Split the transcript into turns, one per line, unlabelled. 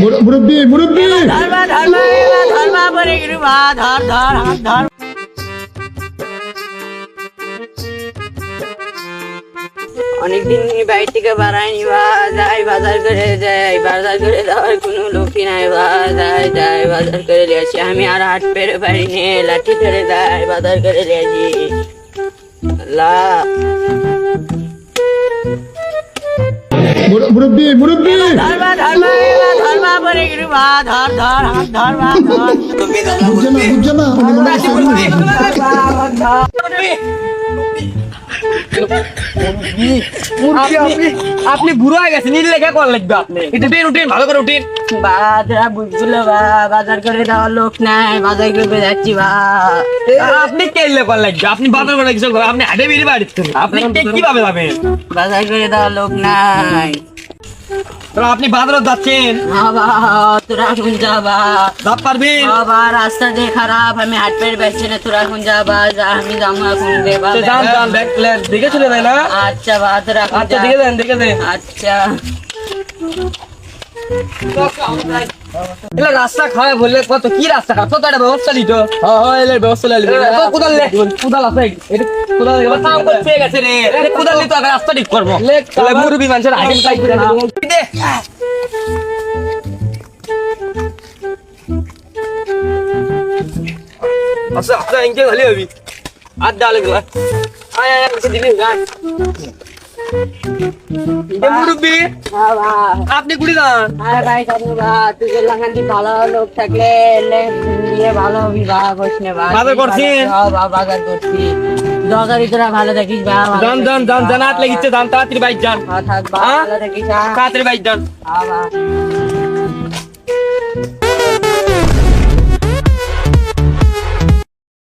মুরব্বি মুরব্বি
ধর্মা ধর্মা ধর্মা পরে গেলু বা ধর ধর হাত ধর। অনেকদিন বাড়ি থেকে বাড়াইনি বা যাই বাজার করে যাই, বাজার করে যাওয়ার কোনো লোকই নাই বা যাই যাই বাজার করে নিয়ে আসি। আমি আর হাট পেরে পারি নে, লাঠি ধরে যাই বাজার করে নিয়ে আসি। আল্লাহ
মুরব্বি মুরব্বি
ধর্মা ধর্মা ধর্মা পরে গেলু বা ধর ধর হাত ধর বা ধর।
বুঝছে না উনি মনে হয়
আপনি বুড়ো হয়ে গেছেন, নীল লেখা কর লাগবে আপনি। এটা উঠেন উঠেন, ভালো করে উঠেন।
বাজার বুঝলো বা বাজার করে দেওয়ার লোক নাই, বাজার করে যাচ্ছি বা।
আপনি কে লেখা লাগবে? আপনি বাজার করে কিছু করেন, আপনি হাটে বেরিয়ে বাড়ি আপনি কিভাবে যাবেন?
বাজার করে দেওয়ার লোক নাই।
তো আপনি বাজারে যাচ্ছেন,
বাবা তোরা এখন যাবা
যাব পারবেন?
বাবা, রাস্তা যে খারাপ, আমি হাট পেয়ে বেচছি না, তোরা এখন যাবা যা, আমি যাবো এখন দেবা।
তো যান যান, দেখে চলে যায় না?
আচ্ছা বা তোরা এখন
আচ্ছা
যা।
দেখে যান, দেখে যান।
আচ্ছা
এলা রাস্তা খারাপ বললে কত কি রাস্তা খারাপ, কত একটা ব্যবস্থা নিত। এর ব্যবস্থা নিলে কোদাল লে, কোদাল আছে, এটা কোদাল এবার কাম করতে গেছে রে, কোদাল নিতে আগে রাস্তা ঠিক করবো। তাহলে মুরবি মানুষের আইটেম কাই করে না দে। আচ্ছা আচ্ছা, ইনকে খালি হবি আর ডালে গলা আয় আয় আমাকে দিবি গান। মুরব্বি
বাবা,
আপনি কুড়ি যান।
আরে ভাই জানো বা, তুই যে লাগান্তি ভালো লোক থাকলে নিয়ে ভালো হবি বা, করিস না বা।
বাজার করছেন?
বাবা বাজার করছি, দরকারি তোরা ভালো থাকিস বা।
যান যান যান, জানাত লাগিচ্ছে, যান তাড়াতাড়ি বাইক যান,
থাক বা, ভালো থাকিস।
তাড়াতাড়ি বাইক যান।
বাবা